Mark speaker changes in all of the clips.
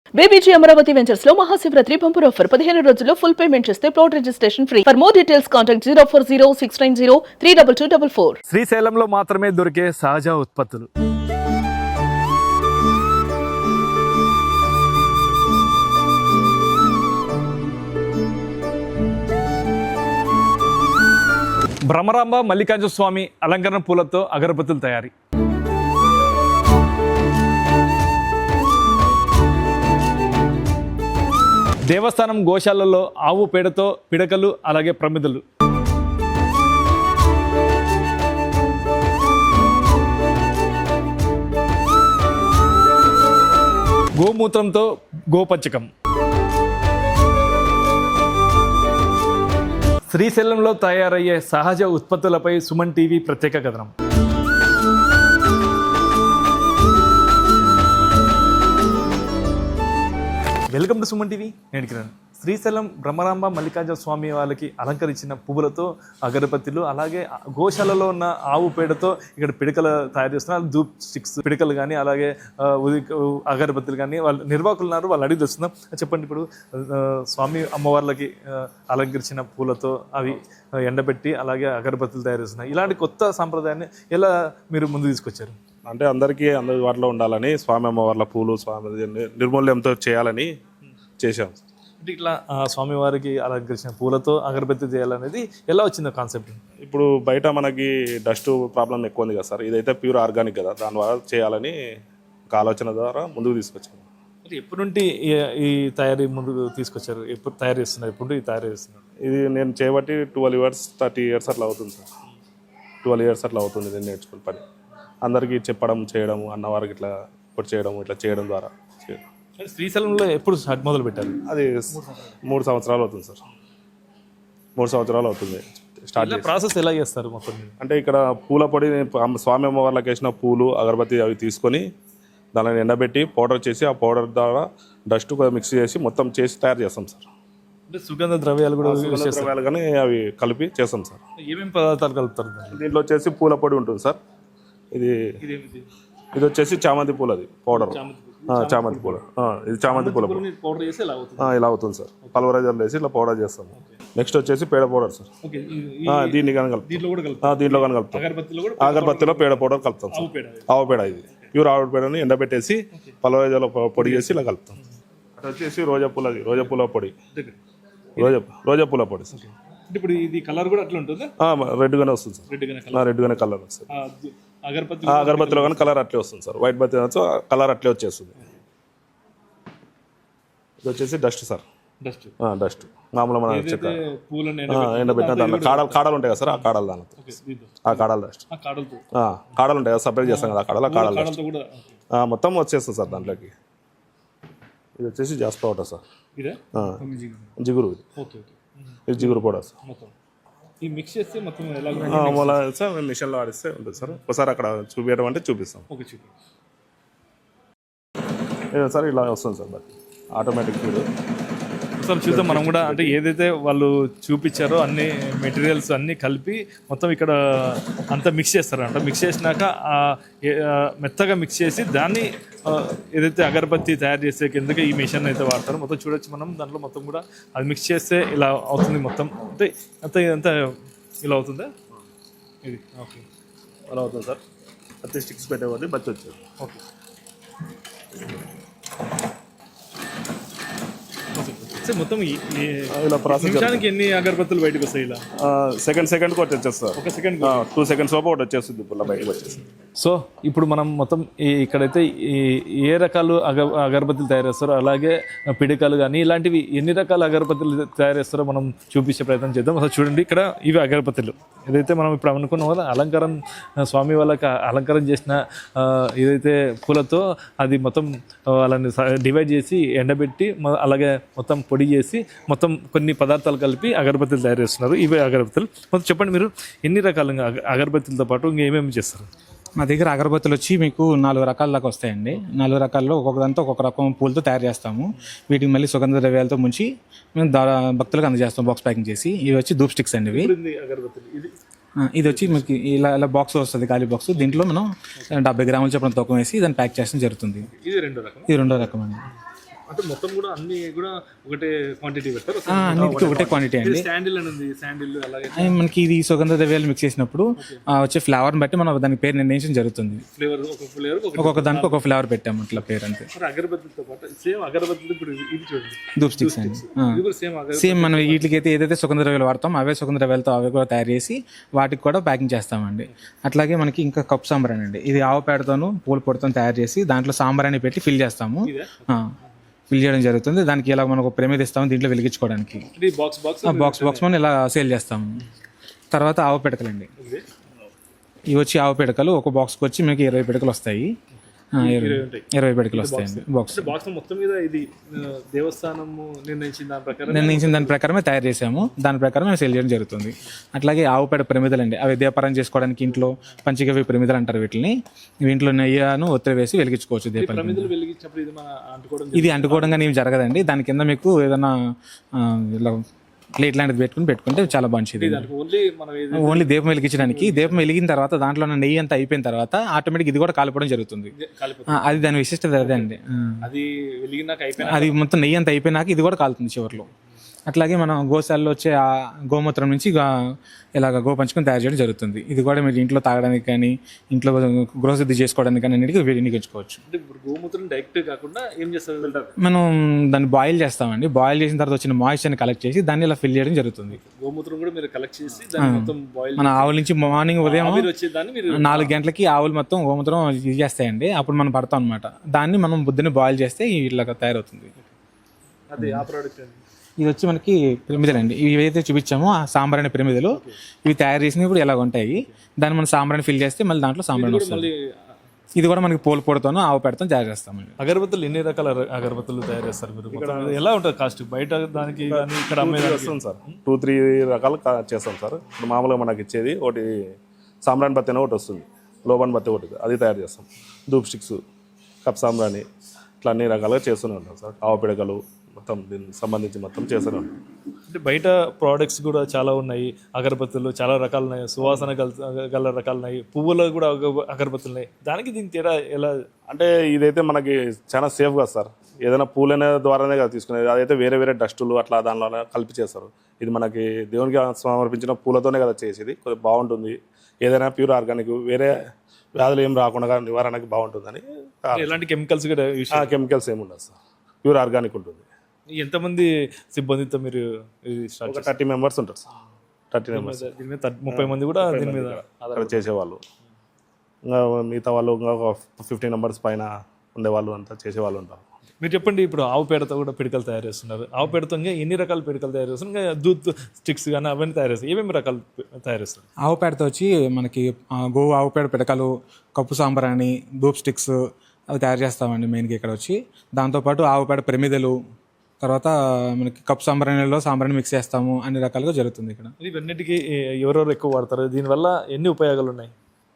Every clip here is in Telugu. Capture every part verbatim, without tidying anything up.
Speaker 1: బీబీజీ అమరావతి వెంచర్స్ లో మహాశివరాత్రి బంపర్ ఆఫర్ పదిహేను రోజుల్లో ఫుల్ పేమెంట్ చేస్తే plot registration free. For more details contact zero four zero six nine zero three double two double four.
Speaker 2: శ్రీశైలంలో మాత్రమే దొరికే సహజ ఉత్పత్తులు. భ్రమరాంబ మల్లికార్జున స్వామి అలంకరణ పూలతో అగరబత్తులు తయారీ. దేవస్థానం గోశాలలో ఆవు పేడతో పిడకలు అలాగే ప్రమిదలు. గోమూత్రంతో గోపచ్చకం. శ్రీశైలంలో తయారయ్యే సహజ ఉత్పత్తులపై సుమన్ టీవీ ప్రత్యేక కథనం. Welcome to Suman TV. నేను కిరణ్. శ్రీశైలం బ్రహ్మరాంబ మల్లికార్జున స్వామి వాళ్ళకి అలంకరించిన పువ్వులతో అగరబత్తులు, అలాగే గోశాలలో ఉన్న ఆవు పేడతో ఇక్కడ పిడకలు తయారు చేస్తున్నారు. ధూప్ స్టిక్స్ పిడకలు కానీ అలాగే అగరబత్తులు కానీ వాళ్ళు నిర్వాహకులు ఉన్నారు, వాళ్ళు అడిగి వస్తున్నాం. చెప్పండి, ఇప్పుడు స్వామి అమ్మవార్లకి అలంకరించిన పూలతో అవి ఎండబెట్టి అలాగే అగరబత్తులు తయారు చేస్తున్నారు. ఇలాంటి కొత్త సాంప్రదాయాన్ని ఎలా మీరు ముందు తీసుకొచ్చారు?
Speaker 3: అంటే అందరికీ అందరి వాటిలో ఉండాలని స్వామి అమ్మవార్ల పూలు స్వామి నిర్మూల్యంతో చేయాలని చేశాం.
Speaker 2: అంటే ఇట్లా స్వామివారికి అలంకరించిన పూలతో అగరబత్తి చేయాలనేది ఎలా వచ్చిందో కాన్సెప్ట్?
Speaker 3: ఇప్పుడు బయట మనకి డస్ట్ ప్రాబ్లం ఎక్కువ ఉంది కదా సార్, ఇదైతే ప్యూర్ ఆర్గానిక్ కదా, దాని ద్వారా చేయాలని ఒక ఆలోచన ద్వారా ముందుకు తీసుకొచ్చాము.
Speaker 2: అంటే ఎప్పటి నుండి ఈ తయారీ ముందుకు తీసుకొచ్చారు? ఎప్పుడు తయారు చేస్తున్నారు? ఎప్పుడు ఇది తయారు చేస్తున్నారు?
Speaker 3: ఇది నేను చేయబట్టి ట్వెల్వ్ ఇయర్స్ థర్టీ ఇయర్స్ అట్లా అవుతుంది సార్. ట్వెల్వ్ ఇయర్స్ అట్లా అవుతుంది నేను నేర్చుకుని పని. అందరికీ చెప్పడం చేయడం, అన్నవారికి ఇట్లా ఇప్పుడు చేయడం, ఇట్లా చేయడం ద్వారా.
Speaker 2: శ్రీశైలంలో ఎప్పుడు స్టార్ట్ మొదలు పెట్టారు?
Speaker 3: అది మూడు సంవత్సరాలు అవుతుంది సార్. మూడు సంవత్సరాలు అవుతుంది స్టార్ట్.
Speaker 2: ప్రాసెస్ ఎలా చేస్తారు మొత్తం?
Speaker 3: అంటే ఇక్కడ పూల పొడి స్వామి అమ్మవార్లకు వేసిన పూలు అగరబత్తి అవి తీసుకొని దానిని ఎండబెట్టి పౌడర్ చేసి ఆ పౌడర్ ద్వారా డస్ట్ మిక్స్ చేసి మొత్తం చేసి తయారు చేస్తాం సార్.
Speaker 2: అంటే సుగంధ ద్రవ్యాలు కూడా
Speaker 3: ద్రవ్యాలు కానీ అవి కలిపి చేస్తాం సార్.
Speaker 2: ఏమేమి పదార్థాలు కలుపుతారు
Speaker 3: దీంట్లో వచ్చేసి పూల పొడి ఉంటుంది సార్. ఇది ఇది వచ్చేసి చామంతి పూలు, అది పౌడర్ చామంతి పూల. ఇది చామంతి పూల
Speaker 2: పౌడర్ చేసి
Speaker 3: ఇలా అవుతుంది సార్. పల్వరైజర్లు వేసి ఇట్లా పౌడర్ చేస్తాము. నెక్స్ట్ వచ్చేసి పేడ పౌడర్ సార్. దీన్ని కానీ కలుపుతాం. దీంట్లో కానీ కలుపుతాం. అగరబత్తిలో పేడ పౌడర్ కలుపుతాం సార్. ఆవు పేడ, ఇది ప్యూర్ ఆవు పేడని ఎండబెట్టేసి పల్వరైజర్లో పొడి చేసి ఇలా కలుపుతాం. అటు వచ్చేసి రోజా పూలది, రోజా పూల పొడి, రోజా రోజా పూల పొడి సార్.
Speaker 2: ఇప్పుడు ఇది కలర్ కూడా అట్లా ఉంటుంది,
Speaker 3: రెడ్ గానే వస్తుంది సార్. రెడ్ గానే కలర్ వస్తుంది. అగరబత్తిలో కానీ కలర్ అట్లే వస్తుంది సార్. వైట్ బత్తి కలర్ అట్లే వచ్చేస్తుంది. ఇది వచ్చేసి డస్ట్ సార్. డస్ట్ డస్ట్ మామూలు మన ఎండబెట్టిన దాంట్లో కాడలు కాడలు ఉంటాయి కదా సార్, ఆ కాడలు దాని ఆ కాడలు డస్ట్ కాడలు ఉంటాయి కదా, సపరేట్ చేస్తాం కదా ఆ కాడలు, ఆ కాడలు డస్ట్ మొత్తం వచ్చేస్తుంది సార్ దాంట్లోకి. ఇది వచ్చేసి జాస్పా పౌడర్ సార్. జిగురు, ఇది జిగురు పౌడర్ సార్.
Speaker 2: మిక్స్ చేస్తే మొత్తం
Speaker 3: సార్ మిషన్లో ఆడిస్తే ఉంటుంది సార్. ఒకసారి అక్కడ చూపించడం అంటే చూపిస్తాం సార్. ఇలా వస్తుంది sir but automatic feed
Speaker 2: sir. చూద్దాం మనం కూడా. అంటే ఏదైతే వాళ్ళు చూపించారో అన్ని మెటీరియల్స్ అన్నీ కలిపి మొత్తం ఇక్కడ అంతా మిక్స్ చేస్తారంట. మిక్స్ చేసినాక మెత్తగా మిక్స్ చేసి దాన్ని ఏదైతే అగరబత్తి తయారు చేసే కిందకి ఈ మిషన్ అయితే వాడతారు. మొత్తం చూడొచ్చు మనం. దాంట్లో మొత్తం కూడా అది మిక్స్ చేస్తే ఇలా అవుతుంది మొత్తం. అంటే అంత ఇదంతా ఇలా అవుతుందా? ఇది ఓకే,
Speaker 3: అలా అవుతుంది సార్. ప్రతి స్టిక్స్ పెట్టేవాడి బచ్చి వచ్చేది.
Speaker 2: ఓకే, మొత్తం ఇలా ప్రాసెస్ ఎన్ని అగరబత్తులు బయటకు వస్తాయి? ఇలా
Speaker 3: సెకండ్ సెకండ్ ఒకటి వచ్చేస్తారు.
Speaker 2: ఒక సెకండ్
Speaker 3: టూ సెకండ్స్ లోపు ఒకటి వచ్చేస్తుంది ఇప్పుడు బయటకు వచ్చేసి.
Speaker 2: సో ఇప్పుడు మనం మొత్తం ఇక్కడైతే ఏ రకాలు అగ అగరబత్తులు తయారు చేస్తారో, అలాగే పిడికలు కానీ ఇలాంటివి ఎన్ని రకాల అగరబత్తులు తయారు చేస్తారో మనం చూపించే ప్రయత్నం చేద్దాం. అసలు చూడండి, ఇక్కడ ఇవి అగరబత్తులు. ఏదైతే మనం ఇప్పుడు అనుకున్న వల్ల అలంకారం స్వామి వాళ్ళకి అలంకారం చేసిన ఏదైతే పూలతో అది మొత్తం వాళ్ళని డివైడ్ చేసి ఎండబెట్టి అలాగే మొత్తం పొడి చేసి మొత్తం కొన్ని పదార్థాలు కలిపి అగరబత్తులు తయారు చేస్తున్నారు. ఇవే అగరబత్తులు. మొత్తం చెప్పండి, మీరు ఎన్ని రకాలుగా అగరబత్తులతో పాటు ఇంకేమేమి చేస్తారు?
Speaker 4: మా దగ్గర అగరబత్తులు వచ్చి మీకు నాలుగు రకాల దాకా వస్తాయండి. నాలుగు రకాల్లో ఒక్కొక్క దాంతో ఒక్కొక్క రకం పూలతో తయారు చేస్తాము. వీటికి మళ్ళీ సుగంధ ద్రవ్యాలతో ముంచి మేము భక్తులకు అందజేస్తాం బాక్స్ ప్యాకింగ్ చేసి. ఇవి వచ్చి ధూప్ స్టిక్స్ అండి. ఇవి ఇది వచ్చి మీకు ఇలా ఇలా బాక్స్ వస్తుంది, ఖాళీ బాక్స్. దీంట్లో మనం డెబ్బై గ్రాముల చొప్పున తూకం వేసి దాన్ని ప్యాక్ చేయడం జరుగుతుంది.
Speaker 2: ఇది రెండో రకం.
Speaker 4: ఇది రెండో రకం అండి.
Speaker 2: అంటే మొత్తం కూడా అన్ని కూడా ఒకటే క్వాంటిటీ పెడతారు.
Speaker 4: ఆ, అన్నిటికీ ఒకటే క్వాంటిటీ అండి.
Speaker 2: శాండిల్ అని ఉంది, శాండిల్ అలాగే
Speaker 4: అది మనకి ఇది సుగంధ ద్రవ్యాలు మిక్స్ చేసినప్పుడు ఆ, వచ్చే ఫ్లేవర్ని బట్టి మనం దానికి పేరు నిర్ణయించడం జరుగుతుంది.
Speaker 2: ఫ్లేవర్ ఒక ఫ్లేవర్ ఒక
Speaker 4: ఒక్కొక్క దానికి ఒక ఫ్లేవర్ పెట్టాము అట్లా పేరు అంతే.
Speaker 2: మరి అగరబత్తితో పాటు సేమ్ అగరబత్తులు ఇప్పుడు ఇది చూడండి,
Speaker 4: ధూప్ స్టిక్స్ అండి.
Speaker 2: ఇది కూడా సేమ్ అగరబత్తి.
Speaker 4: సేమ్ మనం వీటికి అయితే ఏదైతే సుగంధ ద్రవ్యాలు వాడతాం అవే సుగంధ ద్రవ్యాలతో అవి కూడా తయారు చేసి వాటికి కూడా ప్యాకింగ్ చేస్తామండి. అట్లాగే మనకి ఇంకా కప్ సాంబ్రాణి అండి. ఇది ఆవు పేడతోను పూల పొడితో తయారు చేసి దాంట్లో సాంబ్రాణి పెట్టి ఫిల్ చేస్తాము. ఫిల్ చేయడం జరుగుతుంది. దానికి ఇలా మనకు ఒక ప్రమిద ఇస్తాము దీంట్లో వెలిగించుకోవడానికి.
Speaker 2: ఇది బాక్స్ బాక్స్
Speaker 4: బాక్స్ బాక్స్ మనం ఇలా సేల్ చేస్తాము. తర్వాత ఆవు పిడకలండి. ఇవి వచ్చి ఆవు పిడకలు ఒక బాక్స్కి వచ్చి మీకు ఇరవై పిడకలు వస్తాయి. ఆ, ఇరవై ఇరవై పిడకలు వస్తాయండి బాక్స్.
Speaker 2: బాక్స్ మొత్తం మీద ఇది ఆ, దేవస్థానము నిర్ణయించిన దాని ప్రకారం
Speaker 4: నిర్ణయించిన దాని ప్రకారమే తయారు చేసాము. దాని ప్రకారం మేము సేల్ చేయడం జరుగుతుంది. అట్లాగే ఆవు పేడ ప్రమిదలు అండి. అవి దీపారం చేసుకోవడానికి ఇంట్లో పంచగవి ప్రమిదలు అంటారు వీటిని. ఇంట్లో నెయ్యను ఒత్తిడి వేసి వెలిగించుకోవచ్చు దీపాలు.
Speaker 2: ప్రమిదలు వెలిగించినప్పుడు ఇది మన అంటుకోవడం
Speaker 4: ఇది అంటుకోవడం కానీ ఏమి జరగదండి. దాని కింద మీకు ఏదైనా ఆ, ఇలా ప్లేట్ లాంటిది పెట్టుకుని పెట్టుకుంటే చాలా మంచిది.
Speaker 2: ఓన్లీ మనం ఏది
Speaker 4: ఓన్లీ దీపం వెలిగించడానికి. దీపం వెలిగిన తర్వాత దాంట్లో ఉన్న నెయ్యి అంతా అయిపోయిన తర్వాత ఆటోమేటిక్ ఇది కూడా కాలిపోవడం జరుగుతుంది.
Speaker 2: కాలిపోతుంది.
Speaker 4: ఆ, అది దాని విశిష్టత అదే అండి. ఆ.
Speaker 2: అది వెలిగినాక అయిపోయినా
Speaker 4: అది మొత్తం నెయ్యి అంతా అయిపోయినాక ఇది కూడా కాలుతుంది చివరిలో. అట్లాగే మనం గోశాలలో వచ్చే ఆ గోమూత్రం నుంచి గా- ఇలాగ గోపంచకం తయారు చేయడం జరుగుతుంది. ఇది కూడా మీరు ఇంట్లో తాగడానికి కానీ ఇంట్లో గృహశుద్ధి చేసుకోవడానికి కానీ అన్నిటికీ వినియోగించుకోవచ్చు.
Speaker 2: అంటే ఇప్పుడు గోమూత్రం డైరెక్ట్ కాకుండా ఏం చేస్తారు,
Speaker 4: మనం దాన్ని బాయిల్ చేస్తామండి. బాయిల్ చేసిన తర్వాత వచ్చిన మాయిశ్చర్ని కలెక్ట్ చేసి దాన్ని ఇలా ఫిల్ చేయడం జరుగుతుంది.
Speaker 2: గోమూత్రం కూడా మీరు కలెక్ట్ చేసి దాన్ని మొత్తం బాయిల్
Speaker 4: మన ఆవుల నుంచి మార్నింగ్ ఉదయం
Speaker 2: వచ్చే దాన్ని మీరు
Speaker 4: నాలుగు గంటలకి ఆవులు మొత్తం గోమూత్రం ఇది చేస్తాయండి. అప్పుడు మనం పడతాం అనమాట. దాన్ని మనం బుద్ధిని బాయిల్ చేస్తే ఇలాగ తయారవుతుంది.
Speaker 2: అది ఆ ప్రోడక్ట్ అండి.
Speaker 4: ఇది వచ్చి మనకి పిరమిదలు అండి. ఇవి ఏదైతే చూపించామో ఆ సాంబ్రాణి పిరమిదలు ఇవి తయారు చేసినప్పుడు ఇలా ఉంటాయి. దాన్ని మనం సాంబ్రాణి ఫిల్ చేస్తే మళ్ళీ దాంట్లో సాంబ్రాణి వస్తుంది.
Speaker 2: మళ్ళీ
Speaker 4: ఇది కూడా మనకి పూల పొడితోనూ ఆవు పెడతాం తయారు చేస్తామండి.
Speaker 2: అగరబత్తులు ఎన్ని రకాల అగ- అగరబత్తులు తయారు చేస్తారు మీరు? మొత్తం ఎలా ఉంటుంది కాస్ట్ బయట దానికి కానీ ఇక్కడ అమ్మేదానికి?
Speaker 3: చేస్తాం సార్, టూ త్రీ రకాలు కా- చేస్తాం సార్. ఇప్పుడు మామూలుగా మనకి ఇచ్చేది ఒకటి సాంబ్రాణి బత్తి అని ఒకటి వస్తుంది, లోబన్ బత్తి ఒకటి, అది తయారు చేస్తాం. ధూప్ స్టిక్స్, కప్ సాంబ్రాణి, ఇట్లా అన్ని రకాలుగా చేస్తూనే ఉంటాం సార్. ఆవు పిడకలు మొత్తం దీనికి సంబంధించి మొత్తం చేస్తూనే ఉంటాం.
Speaker 2: అంటే బయట ప్రోడక్ట్స్ కూడా చాలా ఉన్నాయి. అగరబత్తులు చాలా రకాలు ఉన్నాయి, సువాసన గల గల రకాలు ఉన్నాయి, పువ్వులు కూడా అగ- అగరబత్తులు ఉన్నాయి. దానికి దీనికి తేడా ఎలా?
Speaker 3: అంటే ఇదైతే మనకి చాలా సేఫ్ కదా సార్. ఏదైనా పూలనే ద్వారానే కదా తీసుకునేది. అదైతే వేరే వేరే డస్టులు అట్లా దానిలో కలిపి చేస్తారు. ఇది మనకి దేవునికి సమర్పించిన పూలతోనే కదా చేసేది. కొద్దిగా బాగుంటుంది. ఏదైనా ప్యూర్ ఆర్గానిక్, వేరే వ్యాధులు ఏం రాకుండా నివారణకి బాగుంటుందని.
Speaker 2: ఎలాంటి కెమికల్స్ కూడా యూస్
Speaker 3: కెమికల్స్ ఏమి ఉండదు సార్, ప్యూర్ ఆర్గానిక్ ఉంటుంది.
Speaker 2: ఎంతమంది సిబ్బందితో మీరు ఇది స్టార్ట్
Speaker 3: ఒక థర్టీ మెంబర్స్ ఉంటారు సార్. థర్టీ మెంబర్స్
Speaker 2: చేస్తారు? దీని మీద థర్టీ- ముప్పై మంది కూడా దీని మీద
Speaker 3: అక్కడ చేసేవాళ్ళు. ఇంకా మిగతా వాళ్ళు ఇంకా ఒక ఫిఫ్టీన్ మెంబర్స్ పైన ఉండేవాళ్ళు అంతా చేసేవాళ్ళు ఉంటారు.
Speaker 2: మీరు చెప్పండి. ఇప్పుడు ఆవు పేడతో కూడా పిడకలు తయారు చేస్తున్నారు. ఆవు పేడతో ఇంకా ఎన్ని రకాల పిడకలు తయారు చేస్తున్నారు? ఇంకా దూత్ స్టిక్స్ కానీ అవన్నీ తయారు చేస్తారు. ఏమేమి రకాలు తయారు చేస్తారు?
Speaker 4: ఆవు పేడతో వచ్చి మనకి ఆ, గో ఆవు పేడ పిడకలు, కప్పు సాంబ్రాణి, ధూప్ స్టిక్స్ అవి తయారు చేస్తామండి మెయిన్గా ఇక్కడ వచ్చి. దాంతోపాటు ఆవు పేడ ప్రమిదలు, తర్వాత మనకి కప్పు సాంబ్రాణిలో సాంబ్రాణి మిక్స్ చేస్తాము. అన్ని రకాలుగా జరుగుతుంది ఇక్కడ.
Speaker 2: ఇవన్నిటికీ ఎవరెవరు ఎక్కువ వాడతారు? దీనివల్ల ఎన్ని ఉపయోగాలు ఉన్నాయి?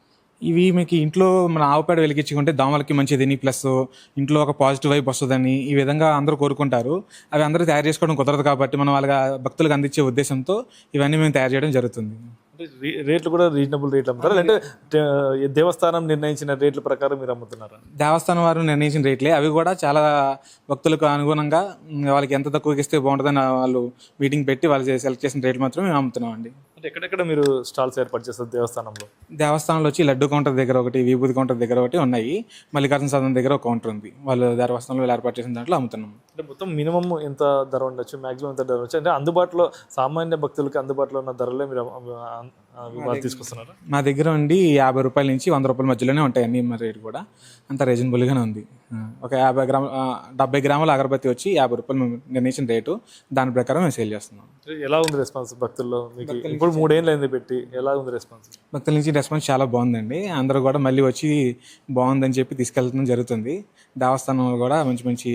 Speaker 4: ఇవి మీకు ఇంట్లో మన ఆవు పేడ వెలిగించుకుంటే దోమలకి మంచిదని, ప్లస్ ఇంట్లో ఒక పాజిటివ్ వైబ్ వస్తుందని ఈ విధంగా అందరూ కోరుకుంటారు. అవి అందరూ తయారు చేసుకోవడం కుదరదు కాబట్టి మనం వాళ్ళ భక్తులకు అందించే ఉద్దేశంతో ఇవన్నీ మేము తయారు చేయడం జరుగుతుంది.
Speaker 2: అంటే రే- రేట్లు కూడా రీజనబుల్ రేట్లు అమ్ముతారు, అంటే దే- దేవస్థానం నిర్ణయించిన రేట్ల ప్రకారం మీరు అమ్ముతున్నారా?
Speaker 4: దేవస్థానం వారు నిర్ణయించిన రేట్లే. అవి కూడా చాలా భక్తులకు అనుగుణంగా ఉమ్, వాళ్ళకి ఎంత తక్కువకి ఇస్తే బాగుంటుందని వాళ్ళు మీటింగ్ పెట్టి వాళ్ళు సెలెక్ట్ చేసిన రేట్లు మాత్రం మేము అమ్ముతున్నాం అండి.
Speaker 2: అంటే ఎక్కడెక్కడ మీరు స్టాల్స్ ఏర్పాటు చేస్తారు దేవస్థానంలో?
Speaker 4: దేవస్థానంలో వచ్చి లడ్డు కౌంటర్ దగ్గర ఒకటి, విభూతి కౌంటర్ దగ్గర ఒకటి ఉన్నాయి. మల్లికార్జున సదన్ దగ్గర ఒక కౌంటర్ ఉంది. వాళ్ళు దేవస్థానంలో ఏర్పాటు చేసిన దాంట్లో అమ్ముతున్నాం.
Speaker 2: అంటే మొత్తం మినిమం ఎంత ధర ఉండొచ్చు, మాక్సిమం ఎంత ధర ఉండొచ్చు? అంటే అందుబాటులో సామాన్య భక్తులకి అందుబాటులో ఉన్న ధరలే మీరు అమ్ము- ఆ- ఆ వాళ్ళు తీసుకొస్తున్నారా?
Speaker 4: మా దగ్గర ఉండి యాభై రూపాయల నుంచి వంద రూపాయల మధ్యలోనే ఉంటాయి అన్ని. మరి రేటు కూడా అంత రీజనబుల్గానే ఉంది. ఆ, ఒక యాభై గ్రాముల ఆ, డెబ్బై గ్రాముల అగరబత్తి వచ్చి యాభై రూపాయలు మేము నిర్ణయించిన రేటు. దాని ప్రకారం మేము సేల్ చేస్తున్నాం.
Speaker 2: అంటే ఎలా ఉంది రెస్పాన్స్ భక్తుల్లో మీకు? ఇప్పుడు మూడేళ్ళు అయింది పెట్టి, ఎలా ఉంది రెస్పాన్స్?
Speaker 4: భక్తుల నుంచి రెస్పాన్స్ చాలా బాగుందండి. అందరూ కూడా మళ్ళీ వచ్చి బాగుందని చెప్పి తీసుకెళ్ళడం జరుగుతుంది. దేవస్థానంలో కూడా మంచి మంచి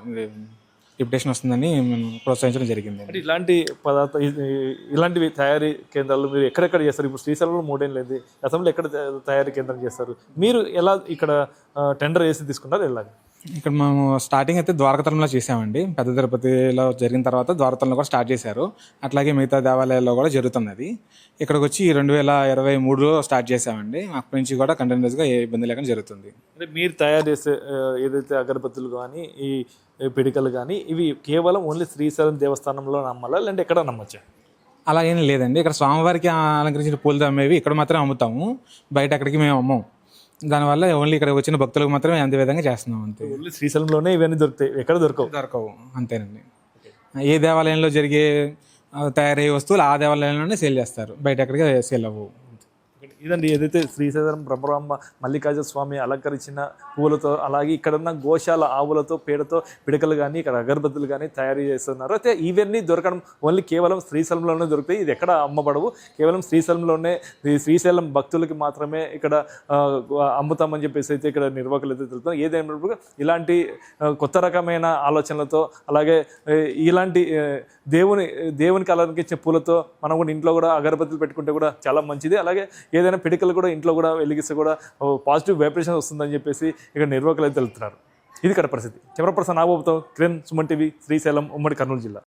Speaker 4: రిప్యుటేషన్ వస్తుందని మేము ప్రోత్సహించడం జరిగింది.
Speaker 2: అంటే ఇలాంటి పదార్థ ఇ- ఇలాంటివి తయారీ కేంద్రాలు మీరు ఎక్కడెక్కడ చేస్తారు? ఇప్పుడు శ్రీశైలంలో మూడేళ్ళు అయింది, గతంలో ఎక్కడ తయా- తయారీ కేంద్రం చేస్తారు? మీరు ఎలా ఇక్కడ టెండర్ వేసి తీసుకున్నారు? ఎలాగ?
Speaker 4: ఇక్కడ మేము స్టార్టింగ్ అయితే ద్వారకతలంలో చేసామండి. పెద్ద తిరుపతిలో జరిగిన తర్వాత ద్వారకతలంలో కూడా స్టార్ట్ చేశారు. అట్లాగే మిగతా దేవాలయాల్లో కూడా జరుగుతుంది అది. ఇక్కడికి వచ్చి రెండు వేల ఇరవై మూడులో స్టార్ట్ చేసామండి. అప్పటి నుంచి కూడా కంటిన్యూస్గా ఏ ఇబ్బంది లేకుండా జరుగుతుంది.
Speaker 2: అంటే మీరు తయారు చేసే ఆ, ఏదైతే అగరబత్తులు కానీ ఈ ఈ పిడికలు కానీ ఇవి కేవలం ఓన్లీ శ్రీశైలం దేవస్థానంలో నమ్మాలా లేదంటే ఎక్కడ నమ్మచ్చా?
Speaker 4: అలా ఏం లేదండి. ఇక్కడ స్వామివారికి అలంకరించిన పూలతో అమ్మేవి ఇక్కడ మాత్రం అమ్ముతాము, బయట అక్కడికి మేము అమ్మం. దానివల్ల ఓన్లీ ఇక్కడ వచ్చిన భక్తులకు మాత్రమే అంతే విధంగా చేస్తున్నాం అంతే.
Speaker 2: ఓన్లీ శ్రీశైలంలోనే ఇవన్నీ దొరుకుతాయి, ఎక్కడ దొరకవు.
Speaker 4: దొరకవు అంతేనండి. ఏ దేవాలయంలో జరిగే ఆ, తయారయ్యే వస్తువులు ఆ దేవాలయంలోనే సేల్ చేస్తారు, బయట ఎక్కడికి సేల్ అవ్వవు.
Speaker 2: ఇదండి ఏదైతే శ్రీశైలం బ్రహ్మరాంబ మల్లికార్జున స్వామి అలంకరించిన పువ్వులతో అలాగే ఇక్కడ ఉన్న గోశాల ఆవులతో పేడతో పిడకలు కానీ ఇక్కడ అగరబత్తులు కానీ తయారు చేస్తున్నారు. అయితే ఇవన్నీ దొరకడం ఓన్లీ కేవలం శ్రీశైలంలోనే దొరుకుతాయి, ఇది ఎక్కడ అమ్మబడవు, కేవలం శ్రీశైలంలోనే ఈ శ్రీశైలం భక్తులకి మాత్రమే ఇక్కడ ఆ, అమ్ముతామని చెప్పేసి అయితే ఇక్కడ నిర్వాహకులు అయితే తెలుపుతారు. ఏదైనప్పుడు ఇలాంటి ఆ, కొత్త రకమైన ఆలోచనలతో అలాగే ఆ, ఇలాంటి ఆ, దేవుని దేవునికి అలంకరించే పూలతో మనం కూడా ఇంట్లో కూడా అగరబత్తులు పెట్టుకుంటే కూడా చాలా మంచిది. అలాగే ఏదైనా పిడికలు కూడా ఇంట్లో కూడా వెలిగిస్తే కూడా పాజిటివ్ వైబ్రేషన్ వస్తుందని చెప్పేసి ఇక్కడ నిర్వాహకులు అయితే తెలుపుతున్నారు. ఇది ఇక్కడ పరిస్థితి. కెమెరా పర్సన్ నాగబాబుతో కిరణ్, సుమన్ టీవీ, శ్రీశైలం, ఉమ్మడి కర్నూలు జిల్లా.